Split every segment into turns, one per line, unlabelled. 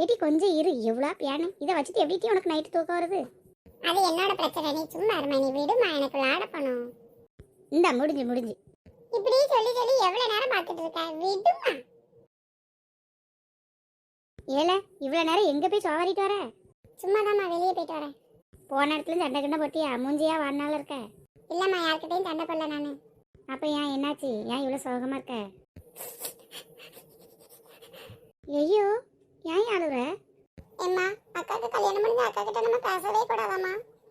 ஏடி கொஞ்சம் இரு, எவ்வளோ பியானு இதை வச்சுட்டு எப்படி உனக்கு நைட்டு தூக்கம் வருது?
அது என்னோட பிரச்சனை, நீ சும்மா இருமா, நீ விடுமா, எனக்கு விளையாட போகணும்.
இந்த முடிஞ்சு
இப்படி சொல்லி சொல்லி எவ்வளவு நேரம் பார்த்துட்டு இருக்க, விடுமா.
ஏல இவ்வளோ நேரம் எங்கே போய் சோவாரிட்டு வர?
சும்மா தான்மா வெளியே போயிட்டு வரேன்.
போன இடத்துல சண்டை கண்டை போட்டியா? மூஞ்சியா வாழ்நாள் இருக்க?
இல்லம்மா, யார்கிட்டையும் சண்டை போடல நானு.
அப்போ ஏன் என்னாச்சு? ஏன் இவ்வளோ சோகமாக இருக்க? ஐயோ, ஏன் அழுற?
ஏம்மா, அக்காவுக்கு கல்யாணம் முடிஞ்ச அக்கா கிட்ட நம்ம பேசவே கூடாதாம்மா.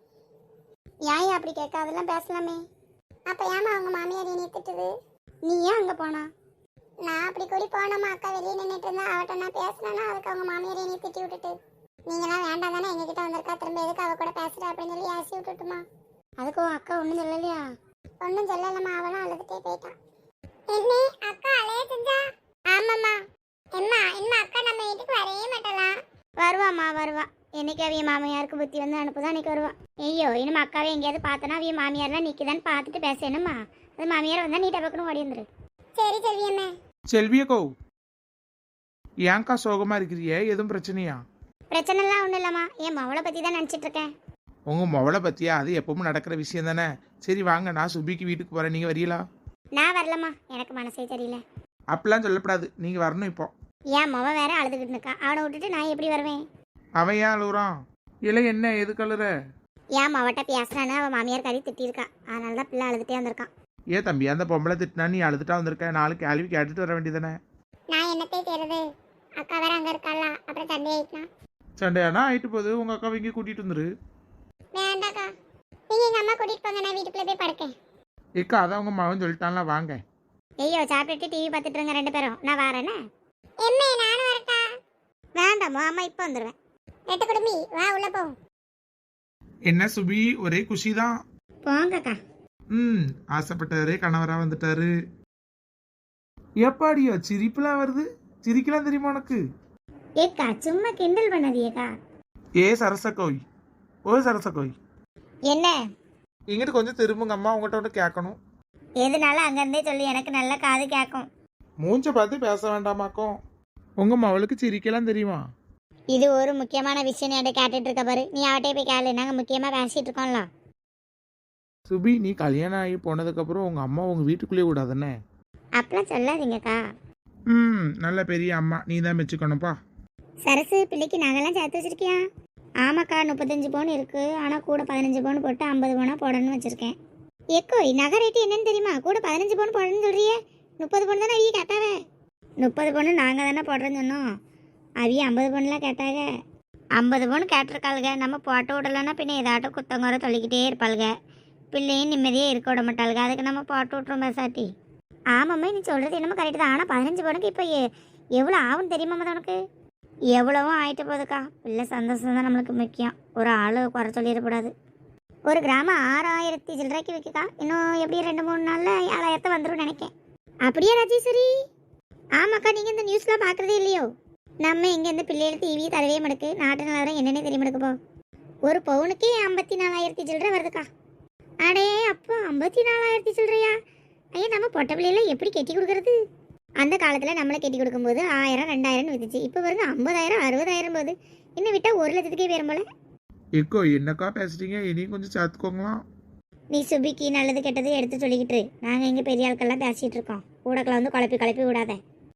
ஏன் அப்படி கேட்க? அதெல்லாம் பேசலாமே.
அப்ப ஏமா அவங்க மாமியார் என்னை திட்டுது?
நீ ஏன் அங்கே போனா?
நான் அப்படி கூடி போனோமா, அக்கா வெளியே நின்றுட்டு இருந்தா அவட்ட நான் பேசினேன்னா அதுக்கு அவங்க மாமியார் என்னை திட்டி விட்டுட்டு, நீங்களாம் வேண்டாம் தானே எங்ககிட்ட வந்திருக்கா, திரும்ப எதுக்கு அவ கூட பேசுற அப்படின்னு சொல்லி ஆசி விட்டுட்டுமா.
அதுக்கு உன் அக்கா ஒன்றும் சொல்லலையா?
ஒன்றும் சொல்லலம்மா, அவளும் அழுதுட்டே போயிட்டான். என்ன அக்கா அலைய செஞ்சா? ஆமாம்மா. எம்மா எம்மா, அக்கா நம்ம வீட்டுக்கு வரவே மாட்டலாம்.
வருவாம்மா வருவா. என்னைக்கு அவிய மாமியாருக்கு புத்தி வந்து அனுப்புதான் அன்னைக்கு வருவா. ஐயோ, இனிமே அக்காவே எங்கேயாவது பார்த்தனா அவிய மாமியார்லாம் நிற்கிதான்னு பார்த்துட்டு பேசணுமா? அது மாமியார் வந்தால் நீட்டை பக்கணும் ஓடி வந்துரு.
சரி செல்வியம்மா.
செல்வியக்கோ, ஏன்க்கா சோகமா இருக்கிறியே? எதுவும் பிரச்சனையா?
பிரச்சனைலாம் ஒன்றும் இல்லைம்மா, என் மவளை பற்றி தான் நினச்சிட்டு இருக்கேன்.
உங்க மொவளை பத்தியா? அது எப்பவும் நடக்கிற விஷயம் தானே. சரி வாங்க, நான் சுபிக்கு வீட்டுக்கு போறேன், நீங்க வரீங்களா?
நான் வரலம்மா, எனக்கு மனசே தெரியல.
அப்படிலாம் சொல்லப்படாது, நீங்க வரணும். இப்போ
என் மவ வேற அழுதுகிட்டு இருக்கா, அவனை விட்டுட்டு நான் எப்படி வருவேன்?
அவன் ஏன் அழுகுறான்? இல்லை என்ன, எதுக்கு அழுற?
என் மவட்ட பேசுறான்னு அவன் மாமியார் கறி திட்டிருக்கா, அதனால தான் பிள்ளை அழுதுகிட்டே வந்திருக்கான்.
ஏன் தம்பி, அந்த பொம்பளை திட்டினா நீ அழுதுட்டா வந்திருக்க? நாலு கேள்வி கேட்டுட்டு வர வேண்டியதானே.
நான் என்னத்தை செய்யறது, அக்கா வேற அங்க இருக்காள, அப்புறம் சண்டை ஆயிட்டான்.
சண்டையானா ஆயிட்டு போகுது, உங்க அக்காவை இங்கே கூட்டிட்டு வந்துரு.
வேண்டாக்கா, நீங்க எங்க அம்மா கூட்டிட்டு போங்க, நான் வீட்டுக்குள்ள போய் படுக்கேன்.
ஏக்கா, அதான் உங்க மகன் சொல்லிட்டான்ல, வாங்க.
ஐயோ, சாப்பிட்டுட்டு டிவி பார்த்துட்டு இருங்க ரெண்டு பேரும், நான் வரேனே.
எம்மே நானும் வரட்டா?
வேண்டாமோ, அம்மா இப்போ வந்துடுவேன்.
நெட்டு குடுமி வா, உள்ள போ.
என்ன சுபி, ஒரே குஷி தான்.
போங்கக்கா.
ஆசைப்பட்டாரு, கணவரா வந்துட்டாரு. எப்பாடியோ சிரிப்புலாம் வருது? சிரிக்கலாம் தெரியுமா உனக்கு?
ஏக்கா சும்மா கிண்டல் பண்ணதியேக்கா.
ஏ சரசக்கோய், ஓ சரசக்கோய்,
என்ன?
இங்கிட்டு கொஞ்சம் திரும்புங்க அம்மா, உங்கள்கிட்ட ஒன்று கேட்கணும்.
எதுனால அங்கேருந்தே சொல்லி, எனக்கு நல்ல காது கேட்கும்.
மூஞ்ச பார்த்து பேச வேண்டாமாக்கும். உங்க மவளுக்கு சிரிக்கலாம் தெரியுமா?
இது ஒரு முக்கியமான விஷயம் நீ கேட்டுட்டு இருக்க பாரு, நீ அவட்டே போய் கேளு, நாங்கள் முக்கியமாக பேசிட்டு இருக்கோம்ல.
சுபி, நீ கல்யாணம் ஆகி போனதுக்கப்புறம் உங்க அம்மா உங்க வீட்டுக்குள்ளேயே விடாதானே?
அப்படிலாம் சொல்லாதீங்கக்கா.
நல்ல பெரிய அம்மா, நீ தான் மெச்சுக்கணும்ப்பா.
சரசு, பிள்ளைக்கு நகைலாம் சேர்த்து வச்சிருக்கியா? ஆமாக்கா, 35 பவுன் இருக்கு, ஆனால் கூட 15 பவுன் போட்டு 50 பவுனாக போடணும்னு வச்சிருக்கேன். எக்கோ, நகை ரேட்டு என்னன்னு தெரியுமா? கூட 15 பவுன் போடணும்னு சொல்றியே, 30 பவுன் தானே அவிய கேட்டாவே. 30 பவுன் நாங்கள் தானே போடுறேன்னு சொன்னோம், அவிய 50 பவுன்லாம் கேட்டாங்க. 50 பவுன் கேட்டிருக்காளுங்க, நம்ம போட்டு விடலன்னா பின்ன ஏதாட்டும் குத்தங்குறை சொல்லிக்கிட்டே இருப்பாளுங்க, பிள்ளையும் நிம்மதியே இருக்க விட மாட்டாளுங்க, அதுக்கு நம்ம போட்டு விட்றோம் பேசாட்டி. ஆமாம்மா, நீ சொல்கிறது என்னமோ கரெக்டு தான், ஆனால் 15 பவுனுக்கு இப்போ எவ்வளோ ஆகும்னு தெரியுமாம்மா உனக்கு? எவ்வளவும் ஆகிட்டு போகுதுக்கா, பிள்ளை சந்தோஷம் தான் நம்மளுக்கு முக்கியம், ஒரு ஆள் குறை சொல்லிடக்கூடாது. ஒரு கிராமம் 6000 சில்லறைக்கு விற்குக்கா, இன்னும் எப்படி 2-3 நாளில் 7000 வந்துடும் நினைக்கேன். அப்படியே ராஜேஸ்வரி? ஆமாக்கா, நீங்கள் இந்த நியூஸ்லாம் பார்க்குறதே இல்லையோ? நம்ம இங்கேருந்து பிள்ளைகள் டிவி தரவே மடுக்கு, நாட்டு நிலவரம் என்னென்ன தெரிய மடுக்குப்போ. ஒரு பவுனுக்கே 54,000 சில்லறை வருதுக்கா. அடே அப்போ 54,000 சில்லறையா? ஐயா, நம்ம பொட்டை பிள்ளைகளை எப்படி கட்டி கொடுக்குறது? அந்த காலத்தில் நம்மளை கட்டி கொடுக்கும்போது 1000 2000 வித்துச்சு, இப்போ வருது 50,000 60,000 போகுது, இன்னும் விட்டால் 1,00,000க்கே பேரும் போல.
எக்கோ, என்னக்கா பேசுறீங்க? இனியும் கொஞ்சம் சேர்த்துக்கோங்களாம்.
நீ சுபிக்கு நல்லது கெட்டது எடுத்து சொல்லிக்கிட்டு, நாங்கள் இங்கே பெரிய ஆட்கள்லாம் பேசிகிட்டு இருக்கோம், கூடக்கில் வந்து குழப்பி விடாத.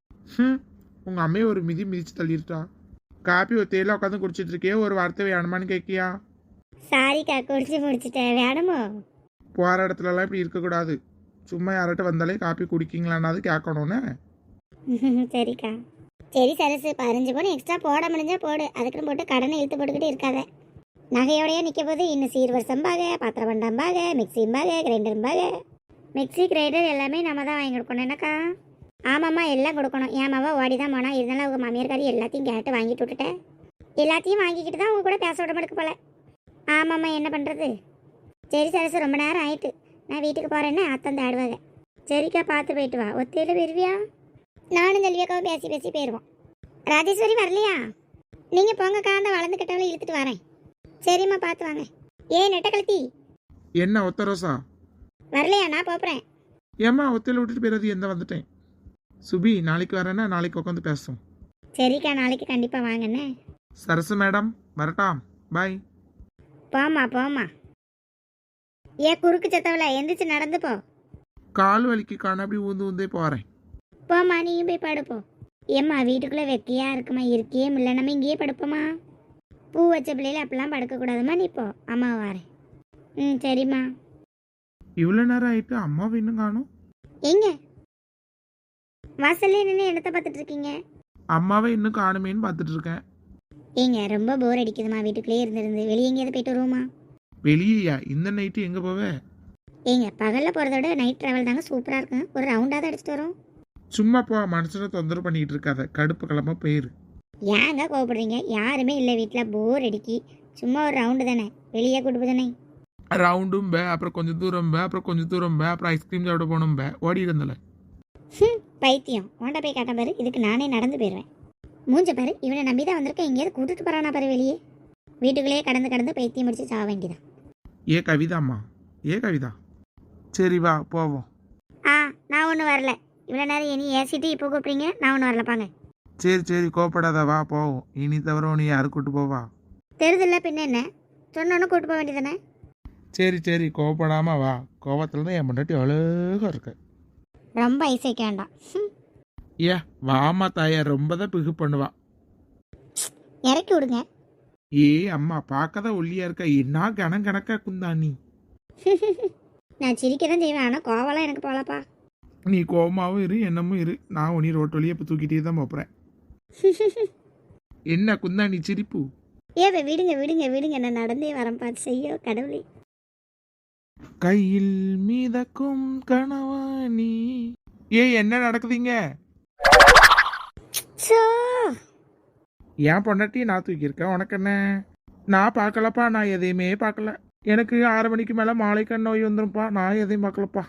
உங்க அம்மையை ஒரு மிதி மிதிச்சு தள்ளிருட்டா. காப்பி ஒத்தையில உட்காந்து குடிச்சிட்டு இருக்கே, ஒரு வார்த்தை வேணுமான்னு கேட்கியா?
சாரிக்கா, குடிச்சு முடிச்சிட்டேன், வேணுமோ?
போகிற இடத்துலலாம் இப்படி இருக்கக்கூடாது. சும்மா யார்கிட்ட வந்தாலே காப்பி குடிக்கீங்களான்னாது கேட்கணும்னு.
சரிக்கா. சரி சரசு, 15 பவுன் எக்ஸ்ட்ரா போட முடிஞ்சா போடு, அதுக்குன்னு போட்டு கடனை இழுத்து போட்டுக்கிட்டு இருக்காத. நகையோடையே நிற்க போது இன்னும் சீர்வரிசம்பாக, பாத்திரம் பண்டம்பாக, மிக்சிம்பாக, கிரைண்டரும்பாக. மிக்சி கிரைண்டர் எல்லாமே நம்ம தான் வாங்கி கொடுக்கணும் என்னக்கா? ஆமாம்மா, எல்லாம் கொடுக்கணும். என் மாவா ஓடி தான் போனா, இருந்தாலும் அவங்க மாமியார்காரி எல்லாத்தையும் கேட்டு வாங்கிட்டு விட்டுட்டேன். எல்லாத்தையும் வாங்கிக்கிட்டு தான் அவங்க கூட பேச விட மாட்டேக்கு போல. ஆமாம்மா, என்ன பண்ணுறது? சரி சரசு, ரொம்ப நேரம் ஆயிட்டு, நான் வீட்டுக்கு போகிறேன்னு அத்தன் ஆடுவாங்க. சரிக்கா, பார்த்து போயிட்டு வா. ஒத்தையில் வருவியா? நானும் செல்வியாக்காவும் பேசி போயிடுவோம். ராஜேஸ்வரி வரலையா? நீங்கள் போங்கக்கா, அந்த வளர்ந்துக்கிட்டவளை இழுத்துட்டு வரேன். சரிம்மா, பார்த்து வாங்க. நெட்ட கழுத்தி
என்ன ஒத்த ரோசா
வரலையா? நான் போகிறேன்.
ஏம்மா, ஒத்தையில் விட்டுட்டு போயிடாது, எந்த வந்துட்டேன். சுபி, நாளைக்கு வரேன்னா நாளைக்கு உட்காந்து பேசுவோம்.
சரிக்கா, நாளைக்கு கண்டிப்பாக வாங்கண்ணே.
சரசு மேடம் வரட்டாம், பாய்.
போம்மா போம்மா. ஏன் குறுக்கு சத்தவள எந்திரிச்சு நடந்து போ.
கால் வலிக்கு காண அப்படி ஊந்து ஊந்தே போகிறேன்.
போம்மா நீயும் போய் படுப்போ. ஏம்மா வீட்டுக்குள்ளே வெக்கையா இருக்குமா, இருக்கியே இல்லை, நம்ம இங்கேயே படுப்போமா. பூ வச்ச பிள்ளையில அப்படிலாம் படுக்கக்கூடாதும்மா, நீ போ, அம்மா வாரேன். ம் சரிம்மா.
இவ்வளோ நேரம் ஆயிட்டு அம்மாவை இன்னும் காணும்.
எங்க வாசல்லே நின்று என்னத்தை பார்த்துட்டு இருக்கீங்க?
அம்மாவை இன்னும் காணுமேன்னு பார்த்துட்டு இருக்கேன்.
ஏங்க ரொம்ப போர் அடிக்குதுமா, வீட்டுக்குள்ளேயே இருந்திருந்து வெளியே எங்கேயாவது போயிட்டு வருவோமா?
வெளியா? இந்த நைட்டு எங்கே போவே?
ஏங்க பகலில் போகிறத விட நைட் ட்ராவல் தாங்க சூப்பராக இருக்கும். ஒரு ரவுண்டாவது அடிச்சுட்டு வரோம்.
சும்மா போ, மனுஷனை தொந்தரவு பண்ணிட்டு இருக்காத, கடுப்பு கிளம்ப போயிரு.
ஏங்க கோவப்படுறீங்க? யாருமே இல்லை வீட்டில், போர் அடிக்கி. சும்மா ஒரு ரவுண்டு தானே, வெளியே கூட்டு போதானே.
ரவுண்டும் பே, அப்புறம் கொஞ்சம் தூரம் பே, அப்புறம் கொஞ்சம் தூரம் பே, அப்புறம் ஐஸ்கிரீம் சாப்பிட போகணும் பே, ஓடி இருந்தல.
பைத்தியம் ஓண்ட போய் காட்ட பாரு, இதுக்கு நானே நடந்து போயிடுவேன். மூஞ்ச பாரு, இவனை நம்பி தான் வந்திருக்கேன், எங்கேயாவது கூட்டிட்டு போறானா பாரு வெளியே. வீட்டுக்குள்ளேயே கடந்து பைத்தியம் முடிச்சு சாக வேண்டியதான்.
ஏ கவிதாம்மா, ஏ கவிதா, சரி வா போவோம்.
நான் ஒன்றும் வரல. இவ்வளோ நேரம் இனி ஏசிட்டு இப்போ கூப்பிட்றீங்க, நான் ஒன்றும் வரலப்பாங்க.
சரி சரி கோப்படாத, வா போவோம். இனி தவிர உன்னை யாரு கூட்டு போவா?
தெரியுதுல்ல பின்ன என்ன, சொன்னோன்னு கூட்டு போக வேண்டியதானே.
சரி சரி கோவப்படாம வா. கோவத்துல தான் என் முன்னாடி அழகா இருக்க.
ரொம்ப ஐஸ் வைக்க வேண்டாம்.
ஏ வாமா தாயா, ரொம்ப தான் பிகு பண்ணுவா.
இறக்கி விடுங்க.
ஏ அம்மா பார்க்கதான் ஒல்லியா இருக்க, என்ன கணக்கா குந்தாணி.
நான் சிரிக்க தான் செய்வேன், ஆனால் கோவலாம் எனக்கு போகலப்பா.
நீ கோவமாவும் இரு, என்னமும் இரு, நான் உனி ரோட்டு வழியே இப்போ தூக்கிட்டே தான் போறேன். என்ன குந்தாணி சிரிப்பு?
ஏவே விடுங்க விடுங்க விடுங்க, நான் நடந்தே வரேன், பார்த்து செய்யோ கடவுளே.
கையில் மீதக்கும் கணவாணி. ஏ என்ன நடக்குதுங்க? ஏன் பொண்டாட்டி நான் தூக்கியிருக்கேன், உனக்கு என்ன? நான் பார்க்கலப்பா, நான் எதையுமே பார்க்கல. எனக்கு 6 மணிக்கு மேலே மாலை கண் நோய் வந்துரும்ப்பா, நான் எதையும் பார்க்கலப்பா.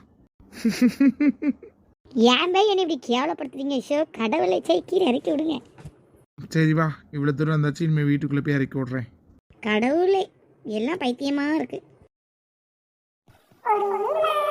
ஏன் பை என்னை இப்படி கேவலப்படுத்துறீங்க? ஷோ கடவுளை கீழே இறக்கி விடுங்க.
சரி வா, இவ்வளோ தூரம் வந்தாச்சு, இனிமேல் வீட்டுக்குள்ளே போய் இறக்கி விட்றேன்.
கடவுளே, எல்லாம் பைத்தியமாக இருக்கு.
ஒரு